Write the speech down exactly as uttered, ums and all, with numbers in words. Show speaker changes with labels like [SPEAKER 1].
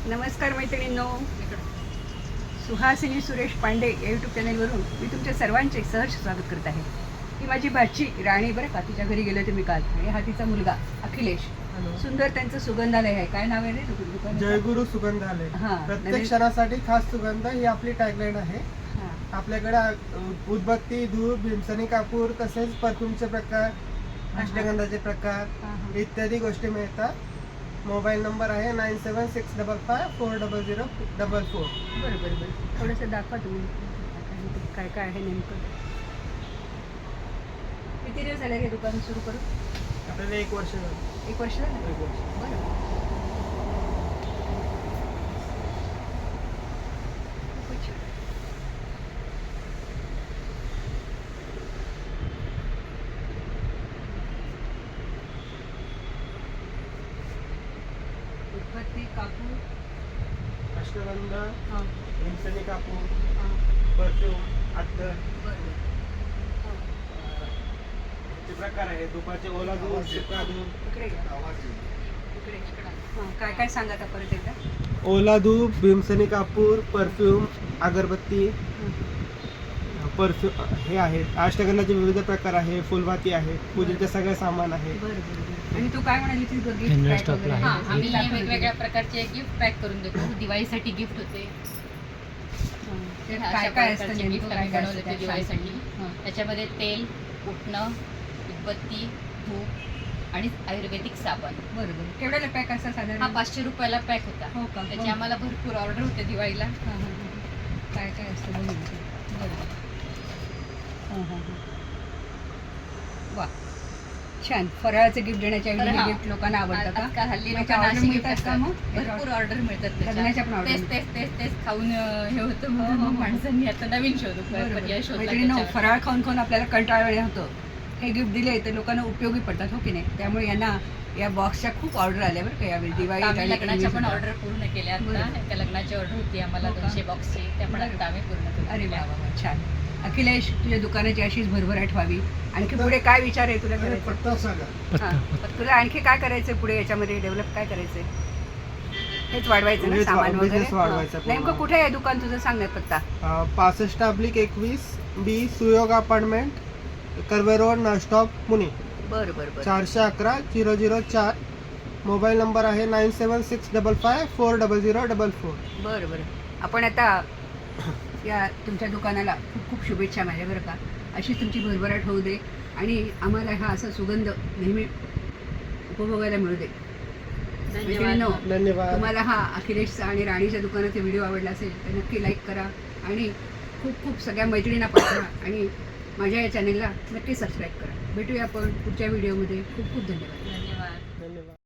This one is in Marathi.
[SPEAKER 1] नमस्कार मैत्रिणींनो, सुहासिनी सुरेश पांडे या यूट्यूब चॅनलवरून मी तुमच्या सर्वांचे सहर्ष स्वागत करत आहे. ही माझी भाची राणी बरं का, तिच्या घरी गेले होते मी काल. आणि हा तिचा मुलगा अखिलेश. सुंदर त्यांचं सुगंधालय आहे. काय नाव आहे रे दुकान?
[SPEAKER 2] जयगुरु सुगंधालय. प्रत्येक क्षणासाठी खास सुगंध ही आपली टॅगलाईन आहे. आपल्याकडे उदबत्ती, धूप, भीमसनी कापूर, तसेच परफ्यूमचे प्रकार, अष्टगंधाचे प्रकार इत्यादी गोष्टी मिळतात. मोबाईल नंबर आहे nine seven six double five four double zero double four.
[SPEAKER 1] बरं बरं बरं थोडंसं दाखवा तुम्ही काय काय आहे नेमकं. किती दिवस झाले हे दुकान सुरू करून?
[SPEAKER 2] आपल्याला एक वर्ष झालं.
[SPEAKER 1] एक वर्ष झालं.
[SPEAKER 2] एक वर्ष.
[SPEAKER 1] बरं. खूपच छान. उदबत्ती, कापूर,
[SPEAKER 2] अष्टगंध,
[SPEAKER 1] हां
[SPEAKER 2] भीमसनी कापूर,
[SPEAKER 1] हां
[SPEAKER 2] परफ्यूम, अत्तर
[SPEAKER 1] बरं
[SPEAKER 2] चे प्रकार आहे. तुपाचे ओला दूध, सुका दूध.
[SPEAKER 1] इकडे घ्या. इकडे हां काय काय सांगा आता परत एकदा.
[SPEAKER 2] ओला धूप, भीमसनी कापूर, परफ्यूम, अगरबत्ती, परफ्यूम हे आहेत. अष्टगंधाचे विविध प्रकार आहे. फुलवाती आहे. पूजेचे सगळे सामान आहे.
[SPEAKER 1] बरं बरं बरं. आणि तू काय म्हणाली ती गिफ्ट
[SPEAKER 3] General
[SPEAKER 1] पॅक वगैरे?
[SPEAKER 3] हा,
[SPEAKER 1] हां,
[SPEAKER 3] आम्ही
[SPEAKER 1] हे दाखव
[SPEAKER 3] वेगवेगळ्या
[SPEAKER 1] तुम्ही.
[SPEAKER 3] प्रकारचे गिफ्ट पॅक करून देतो. दिवाळीसाठी गिफ्ट होते.
[SPEAKER 1] हां. ते
[SPEAKER 3] अशा
[SPEAKER 1] काय काय असतं
[SPEAKER 3] प्रकारचे
[SPEAKER 1] नेमकं?
[SPEAKER 3] gift
[SPEAKER 1] काय
[SPEAKER 3] आम्ही
[SPEAKER 1] काय
[SPEAKER 3] बनवले
[SPEAKER 1] असतं
[SPEAKER 3] ते
[SPEAKER 1] त्यात?
[SPEAKER 3] दिवाळीसाठी.
[SPEAKER 1] हां.
[SPEAKER 3] त्याच्यामध्ये तेल, उठणं, उदबत्ती, धूप आणि आयुर्वेदिक साबण.
[SPEAKER 1] बरं बरं. केवढ्याला पॅक असतं साधारण?
[SPEAKER 3] हा पाचशे रुपयाला पॅक होता.
[SPEAKER 1] हो का?
[SPEAKER 3] त्याची आम्हाला भरपूर ऑर्डर होते दिवाळीला.
[SPEAKER 1] हां हां हां. काय काय असतं बघू इथे. बरं. हां हां हां. वा छान. फराळाचं गिफ्ट देण्याच्या
[SPEAKER 3] तर
[SPEAKER 1] ऐवजी
[SPEAKER 3] हा.
[SPEAKER 1] गिफ्ट लोकांना आवडतं का?
[SPEAKER 3] आजकाल हल्ली
[SPEAKER 1] मग
[SPEAKER 3] लोकांना
[SPEAKER 1] order
[SPEAKER 3] अशी
[SPEAKER 1] मिळतात
[SPEAKER 3] गिफ्ट
[SPEAKER 1] का मग?
[SPEAKER 3] भरपूर ऑर्डर मिळतात त्याच्या.
[SPEAKER 1] लग्नाच्या पण order
[SPEAKER 3] तेच
[SPEAKER 1] मिळतात.
[SPEAKER 3] तेच तेच तेच खाऊन अं, हे होतं
[SPEAKER 1] हो,
[SPEAKER 3] म्हणून
[SPEAKER 1] हो,
[SPEAKER 3] मग
[SPEAKER 1] हो.
[SPEAKER 3] माणसांनी आता नवीन शोध
[SPEAKER 1] बरोबर.
[SPEAKER 3] पर्याय शोधला
[SPEAKER 1] मैत्रिणींनो,
[SPEAKER 3] त्याच्यावर.
[SPEAKER 1] फराळ खाऊन खाऊन आपल्याला कंटाळा होतं. हे गिफ्ट दिले तर लोकांना उपयोगी पडतात, हो की नाही? त्यामुळे यांना या बॉक्सच्या खूप ऑर्डर आल्या बरं का यावेळी दिवाळी
[SPEAKER 3] आम्ही
[SPEAKER 1] आणि
[SPEAKER 3] लग्नाच्या पण
[SPEAKER 1] सुद्धा.
[SPEAKER 3] ऑर्डर पूर्ण केल्या आता.
[SPEAKER 1] बरोबर.
[SPEAKER 3] एका लग्नाची ऑर्डर होती आम्हाला
[SPEAKER 1] हो का?
[SPEAKER 3] दोनशे बॉक्सची. त्या पण
[SPEAKER 1] बरोबर.
[SPEAKER 3] आता आम्ही पूर्ण करून
[SPEAKER 1] अरे वा
[SPEAKER 3] दिल्या.
[SPEAKER 1] वा वा, छान. अखिलेश, तुझ्या दुकानाची अशीच भरभराट व्हावी. आणखी पुढे काय विचार आहे तुला करायचं?
[SPEAKER 2] पत्ता सांगा.
[SPEAKER 1] हां. तुला आणखी काय करायचंय पुढे याच्यामध्ये डेव्हलप काय करायचंय? हेच वाढवायचं ना
[SPEAKER 2] हेच वा-
[SPEAKER 1] सामान वगैरे?
[SPEAKER 2] business वाढवायचं
[SPEAKER 1] हां.
[SPEAKER 2] पूर्ण.
[SPEAKER 1] नेमकं कुठे आहे दुकान तुझं, सांग ना पत्ता.
[SPEAKER 2] अ, पासष्ट अब्लिक एकवीस B Suyog apartment, Karve road, Nalstop, Pune.
[SPEAKER 1] बरं बरं बरं.
[SPEAKER 2] चारशे अकरा झिरो झिरो चार. मोबाईल नंबर आहे nine seven six double five four double zero double four.
[SPEAKER 1] बरं बरं. आपण आता या तुमच्या दुकानाला खूप खूप शुभेच्छा माझ्या बरं का. अशी तुमची भरभराट होऊ दे आणि आम्हाला हा असा सुगंध नेहमी उपभोगायला मिळू दे. मैत्रिणींनो,
[SPEAKER 2] धन्यवाद.
[SPEAKER 1] तुम्हाला हा अखिलेशचा आणि राणीच्या दुकानाचा व्हिडिओ आवडला असेल तर नक्की लाईक करा आणि खूप खूप सगळ्या मैत्रिणींना पाठवा आणि माझ्या या चॅनेलला नक्की सबस्क्राईब करा. भेटूया आपण पुढच्या व्हिडिओमध्ये. खूप खूप धन्यवाद.
[SPEAKER 3] धन्यवाद.
[SPEAKER 2] धन्यवाद.